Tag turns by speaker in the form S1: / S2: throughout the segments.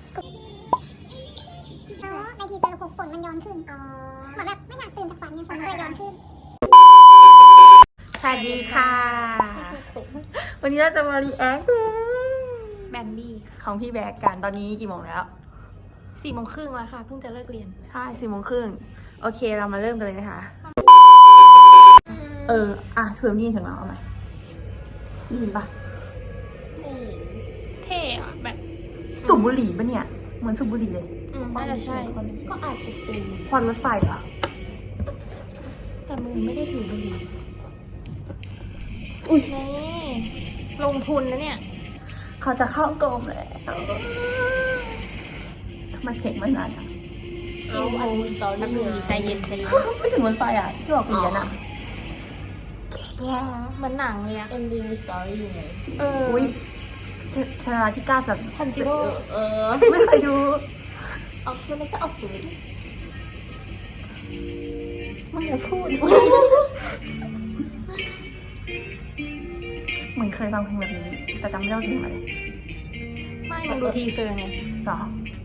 S1: แล้วในทีเซอร์ฝนมันย้อนขึ้นเหมือนแบบไม่อยากตื่นจากฝันไงฝนมันเลยย้อนขึ้น
S2: สวัสดีค่ะ วันนี้เราจะมารีแอค
S3: แบมบี้
S2: ของพี่แบกกันตอนนี้กี่โมงแล้ว
S3: 4:30แล้วค่ะเพิ่งจะเลิกเรียน
S2: ใช่4:30โอเคเรามาเริ่มกันเลยนะคะถือมีนถึงเราเอาไหมได้ยินปะ
S3: เท่อะแบบ
S2: สูบบุหรี่ปะเนี่ยเหมือนสูบบุหรี่เลย
S3: น่าจะใช่
S1: ก็อาจจะเป็น
S2: ควันรถไฟอ่ะ
S3: แต่มึงไม่ได้ถือบุหรี่อุ้ยนี่ลงทุนนะเนี่ย
S2: เขาจะเข้ากรมแล้วทำไมเพลงไม่นานอ่ะ
S3: อินโทรแป๊บนึงใจเย็นใจเย็น
S2: ไม่ถึงรถไฟอ่ะที่บอกเรียนอ่ะแย่
S3: เหมือนหนังเลยอะ
S1: MV มีสตอรี่อยู่ไง
S2: อุ้ยชนะที่9สัป
S3: ทันจิโร่
S2: ไม่เคยดู
S1: ออกมันก็ออกสื่อ
S3: มึงอย่าพูด
S2: เหมือนเคยฟังเพลงแบบนี้แต่จำไม่ได้ว่าเพลงอะไร
S3: ไม่มึงดูทีเซอร์ไง
S2: หรอ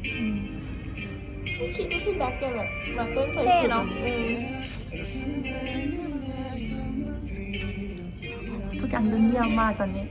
S1: ไม่คิดว่าพี่แบ็คจะแบบมาเต้นใส่
S3: เท่
S1: สุด
S3: เนาะ
S2: ทุกอย่างดูเงียบมากตอนนี้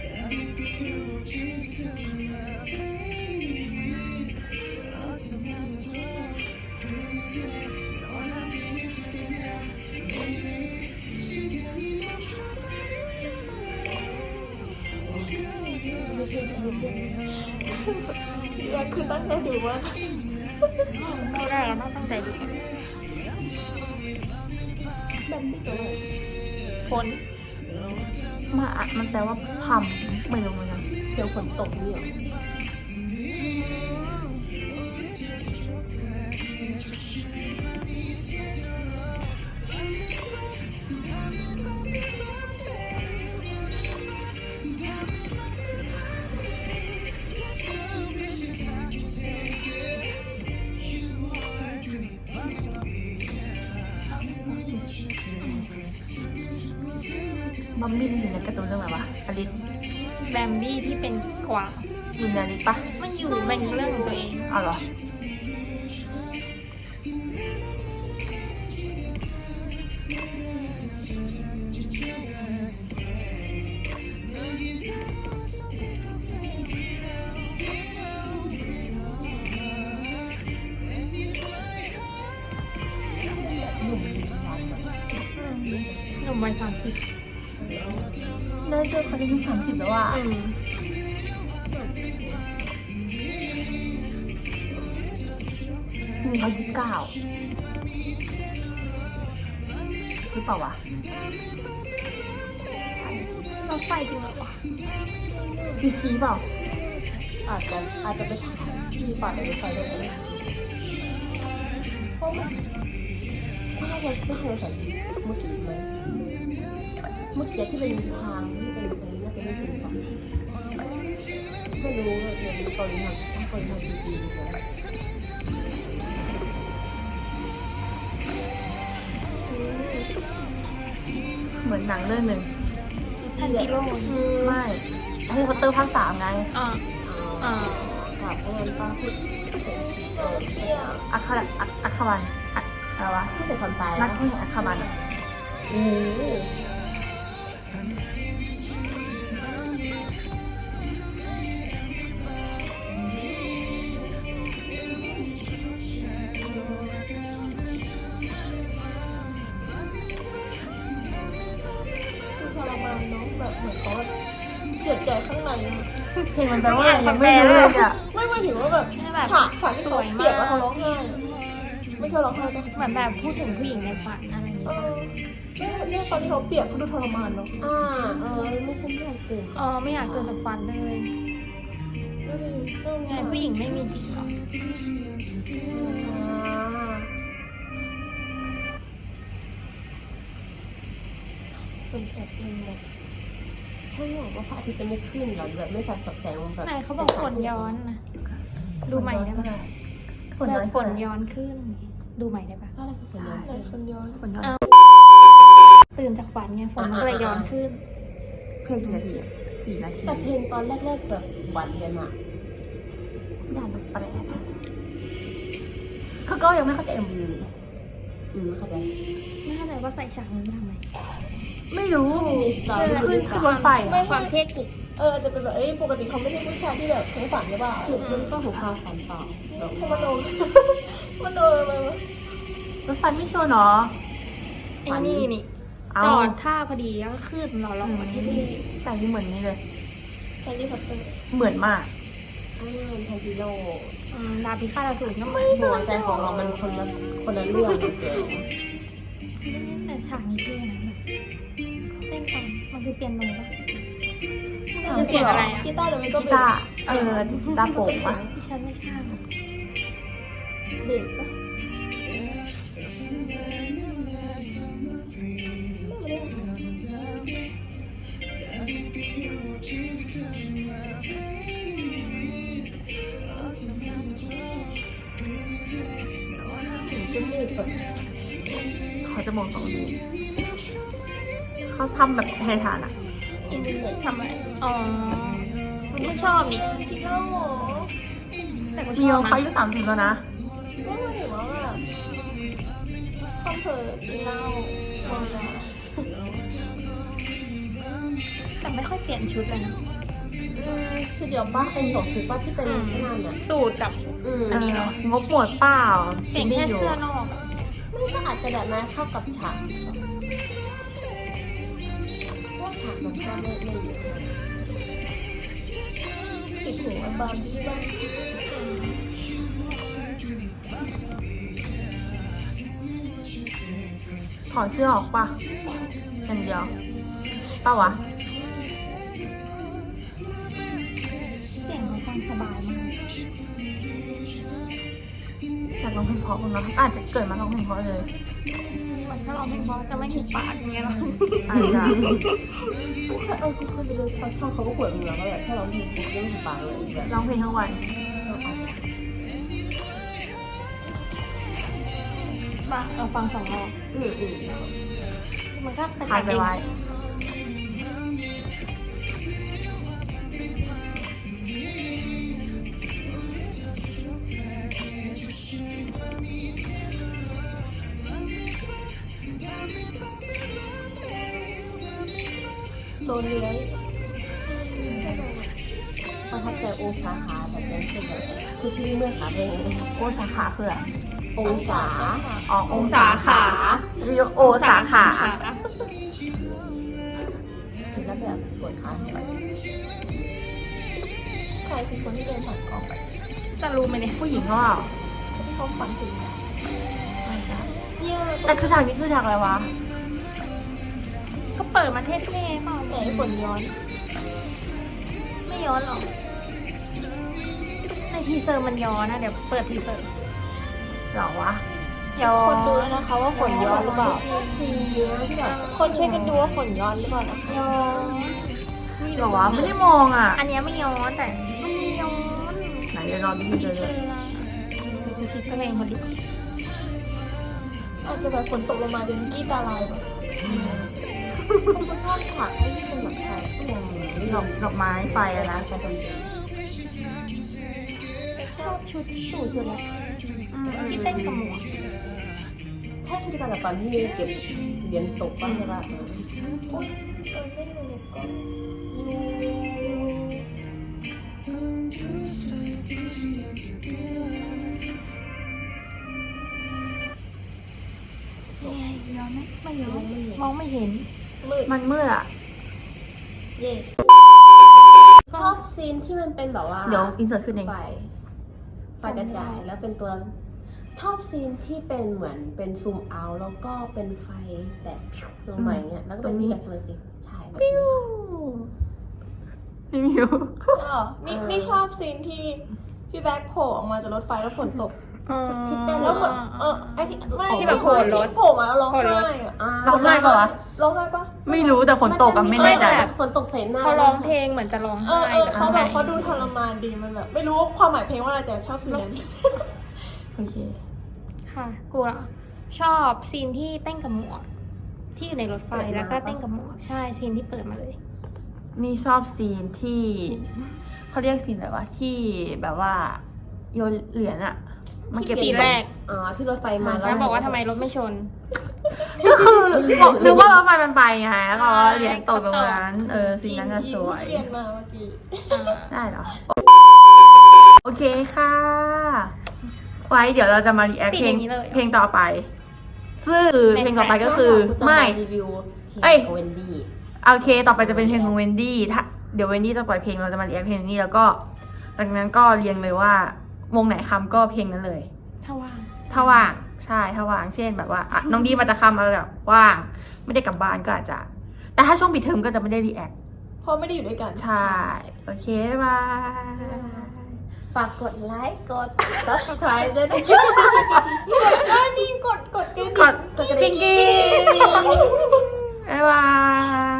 S1: พี่แบ็คคือตั้งใจดูว่า
S3: ไม่ได้อะต้องตั้งใจดู
S1: แบมบี้ตัวไหน
S3: ฝน
S2: มันแปลว่าพัมไม่รู้เหมือนกัน
S1: เดี๋ยวฝนตกนี่หรอ
S2: บัมบี้อยู่ในการ์ตูนเรื่องอะไรวะอลิส
S3: แบมบี้ที่เป็นกวาง
S2: อยู่ในอลิสปะ
S3: มันอยู่เป็นเรื่องของตัวเอง
S2: อ้าวเหรอ
S3: หนุ่มวัย30
S2: ได้เจอเขาอายุ30แล้วอ่ะนี่เขา29หรือเปล่าวะ
S3: รถไฟจริงเหรอวะ
S2: ซีกีเปล่า
S1: อาจจะไปถ่ายที่ป่าในรถไฟได้ไหมเพราะมันไม่ใช่รถไฟเมื่อกี้ไหมเมื่อกี้ที่เป็นทางที่เป็นไปน่าจะไม่ถึงป่ะไม่รู้เลยเนี่ยตอนนี้ทำจริงๆเลย
S2: เหมือนหนังเรื่องหนึ่ง
S3: ทันจิโร่
S2: ไม่แฮร์รี่พอตเตอร์ภาค3ไง
S3: อ่าอ่า
S1: ครับเพราะงั้นป้าพูดเนี่ย
S2: อัคบันอะไรวะ
S1: พูดแต่ความตาย
S2: นักแข่งอัคบัน
S1: โอ้โหคือทรมานน้องแบบเหมือนเขาเจ็บใจข้างใน
S2: เพลงมันแปลว่าอะไรยังไม่รู้เลยอ่ะ
S1: ไม่หมายถึงว่าแบบฉากที่เขาเปียกแล้วเขาร้องไห้ไม่เคยร้องไห้ปะ
S3: เหมือนแบบพูดถึงผู้หญิงในฝันอะไรอย่างเงี้ย
S1: เนี่ยตอนที่เขาเปียกเขาดูทรมานเนาะไม่ใช่ไม่อยากตื่น
S3: ไม่อยากเกินจากฝันเลยไงผู้หญิงไม่มีจิตหรอ
S1: เป็นแบบนึงแบบใช่หรอว่าพระอาทิตย์จะไม่ขึ้นหรอแบบไม่สัดแสงแบบ
S3: ไหนเขาบอกฝนย้อนนะดูใหม่ได้ปะ แบบฝนย้อนขึ้น ดูใหม่ได้ปะ
S1: อะไรคือฝนย้อนฝนย้อน
S2: ฝนย้อน
S3: ตื่นจากฝันไงฝนมันก็เลยย้อนขึ้น
S2: เพลงกี่นาทีอ่ะ4 นาที
S1: แต่เพลงตอนแรกๆแบบหวานกันอะ
S2: ด่านแปลกคือก็ยังไม่เข้าใจ MV เลย
S1: เข้าใจ
S3: ไม่เข้าใจว่าใส่ฉากนี้ทำไม
S2: ไม่รู้
S1: มีสตอรี่
S2: ขึ้นรถไฟ
S3: ไม่
S2: อะ
S3: ความเท่กุก
S4: จะเป็นแบบปกติเขาไม่ใช่ผู้ชายที่แบบใช้ฝันหรือเปล่า
S1: คือมันต้องถูกความฝันต่อแบบ
S4: เขามาโดนมันโดนอะไรวะ
S2: รถไฟไม่ชัวร์เนาะ
S3: ไอ้นี่นี่
S2: เอา
S3: จอดท่าพอดีแล้วก็ขึ้นเราลองมาที่นี่
S2: แต่นี่เหมือนนี่เลย
S4: แฮร์รี่พอตเตอร์
S2: เหมือนมาก
S1: ไทจิโร่
S3: ดาบพิฆาตอสูรก็ไม่
S1: หัวใจของเรามันคนละเรื่องเลยแก
S3: แต่ฉากนี้เท่นะแบบเต้นตอนมันคือเปียโนปะ
S2: า
S3: คือเสียงอะไรอะ
S4: กีตาร์หรือไม่ก็
S2: กี
S4: เบส
S2: ตาร์กีตาร์โปร่งปะ
S3: ที่ฉันไม่ทราบ
S4: เบสปะ
S1: ก็มืดแบบ
S2: เขาจะมองตรงนี้เขาทำแบบไทยฐานอะ
S3: อินเทอร์เน็ตทำอะไรอ๋อไม่ชอบนี่
S4: กินเหล้าเหรอ
S3: แต่ก็ช
S2: มี
S3: อบ
S2: เขา
S3: นะ
S2: อายุ30แล้วนะ
S4: ก็หมายถึงว่าแบบคอมเพลกินเหล้าเมายา
S3: แต่ไม่ค่อยเปลี่ยนชุดเลยนะ
S1: ชุดเดียวป้าเป็นสองชุดป้าที่เป็นที่นั่นอ่ะ
S3: สูตรกับ
S2: อันนี้เนาะงบหมดเปล่า
S3: เปลี่ยนแค่เสื้อนอกอะ
S1: ไม่ก็อาจจะแบบนั้นเข้ากับฉากพวกฉากมันก็ไม่เยอะ
S4: ติดหูไอ้บาร์บี้บ้าง
S2: ถอดเสื้อออกปะอย่างเดียวเปล่าวะ
S3: เสียงมันฟังสบายมาก
S2: อยากร้องเพลงเพราะมั้งเนาะอาจจะเกิดมาร้องเพลงเพราะเลย
S3: เหมือนถ้าเราไม่พอจะไม่ถูกปากอย่างเงี้ยหรอ
S2: อาจจะ
S1: คือคนไปดูช่องเขาก็ปวดหัวก็แบบถ้าเราไม่ถูกเรื่องถูกปากเลยแบบ
S2: ร้องเพลงทั้งวัน
S3: เราฟังสองรอบมันก็เป็น
S2: ถ่ายไปไว้
S4: โซนเลื้อย
S1: ประทับใจองศาขาแบบนั้นคือแบบคือที่เมื่อขาเพลง
S2: โอสาขาคืออะไร
S1: องศา
S2: อ๋อ
S3: องศาขา
S2: เรียกโอสาขา
S1: แล้วแบบปวดขาไป
S4: ใครคือคนที่เดินผ่านกองไป
S3: จะรู้ไหมเนี่ย
S2: ผู้หญิงก็เปล่า
S4: ที่เขาฝันถึง
S2: ไม่ใช่
S4: เนี่ย
S2: แต่คือฉากนี้คือฉากอะไรวะ
S3: ก็เปิดมาเท่ๆเปล่า
S4: แต่ฝนย้อน
S3: ไม่ย้อนหรอกในทีเซอร์มันย้อนนะเดี๋ยวเปิดทีเซอร์
S2: หรอวะ
S3: ย้อ
S4: คนดู
S3: น
S4: แล้วนะคะว่าฝนย้อนหรือเปล่า
S1: ทีเยอะที่แบบ
S4: คนช่วยกันดูว่าฝนย้อนหรือเปล่านะคะ
S3: ย้อน
S2: หรอวะ ไม่ได้มองอ่ะ
S3: อันเนี้ยไม่ย้อนแต่มันมีย้อน
S2: ไหนเดี๋ยวรอดูทีเดียวเลย
S3: ดูคลิปตัวเองคนดิ
S4: อาจจะแบบฝนตกลงมาจนกี้ตาลายแบบ
S1: คนก็ชอบฉากที่เป็นแบบใส่
S2: ดอกไม้ไฟอะนะ
S1: ใส่คน
S3: ชอบชุดสูทสุดเลยที่เต้นกับหมวก
S1: ใช่ชุดการแบบตอนที่เก็บเหรียญตกบ้างใช่ปะ
S4: อุ้ยไม่อยู่ในกล้อง
S3: ย้อนไหมไม่ย้อนมองไม่เห็น
S4: มืด
S2: มันมืดอ่ะ
S4: เย่
S1: ชอบซีนที่มันเป็นแบบว่า
S2: เดี๋ยวอินเสิร์ตขึ้นเอง
S1: ไฟกระจายแล้วเป็นตัวชอบซีนที่เป็นเหมือนเป็นซูมเอาแล้วก็เป็นไฟแตกลงมาอย่างเงี้ยแล้วก็เป็นแบบเลยติใช่แบบนี้
S2: พี่มิว
S4: นี่ชอบซีนที่พี่แบ็คโผล่ออกมาจากรถไฟแล้วฝนตก
S1: ที่เต้น
S4: แล้วเหมือน
S1: ไอ้ที่
S4: ไม่
S3: ที่แบบโผล่รถ
S4: ที่โผล่มาแล้วร้องไห้อะ
S2: ร้องไห้ปะวะ
S4: ร้องไห้ปะ
S2: ไม่รู้แต่ฝนตกอะไม่แน่ใจ
S1: ฝนตกใส่หน้า
S3: เขาร้องเพลงเหมือนจะร้องไห้แต่
S4: เขาแบบเขาดูทรมานดีมันแบบไม่รู้ว่าความหมายเพลงว่าอะไรแต่ชอบซีนนั้น
S2: โอเค
S3: ค่ะกูเหรอชอบซีนที่เต้นกับหมวก ที่อยู่ในรถไฟแล้วก็เต้นกับหมวกใช่ซีนที่เปิดมาเลย
S2: นี่ชอบซีนที่เขาเรียกซีนอะไรวะที่แบบว่าโยนเหรียญอะมาเก็บ
S3: สีแรก
S1: อ๋อที่รถไฟมา
S3: แล้วบอกว่าทำไมรถไม่ชน
S2: ก็คือบอกนึกว่ารถไฟมันไปไงแล้วก็เหรียญตกตรงนั้นสีนั้นก็สวย
S4: เรียนมาเมื่อกี้
S2: ได้เหรอ โอเคค่ะ ไว้เดี๋ยวเราจะมารีแอค
S3: ติด
S2: เพล
S3: อง ย่างนี้เลย
S2: เพลงต่อไป ซึ่งเพลงต่อไปก็คือ
S1: ไม่
S2: ไม่
S1: รีวิวเพล
S2: เอ้ย
S1: งของเวนดี้
S2: โอเค ต่อไปจะเป็นเพลงของเวนดี้ถ้าเดี๋ยวเวนดี้จะปล่อยเพลงเราจะมารีแอคเพลงนี้แล้วก็จากนั้นก็เรียงเลยว่าวงไหนคำก็เพลงนั้นเลย
S3: ถ้าว่าง
S2: ถ้าว่างใช่ถ้าว่างเช่นแบบว่าอ่ะน้องดีมาจะคำอะไรแบบว่างไม่ได้กลับบ้านก็อาจจะ แต่ถ้าช่วงปิดเทอมก็จะไม่ได้รีแอค
S4: เพราะไม่ได้อยู่ด้วยกัน
S2: ใช่โอเคบ๊ายบาย
S1: ฝากกดไลค์กด subscribe ด้วยนะคะ
S4: นี่กดกระดิ่ง
S2: กดปิ๊งกี้บ๊ายบาย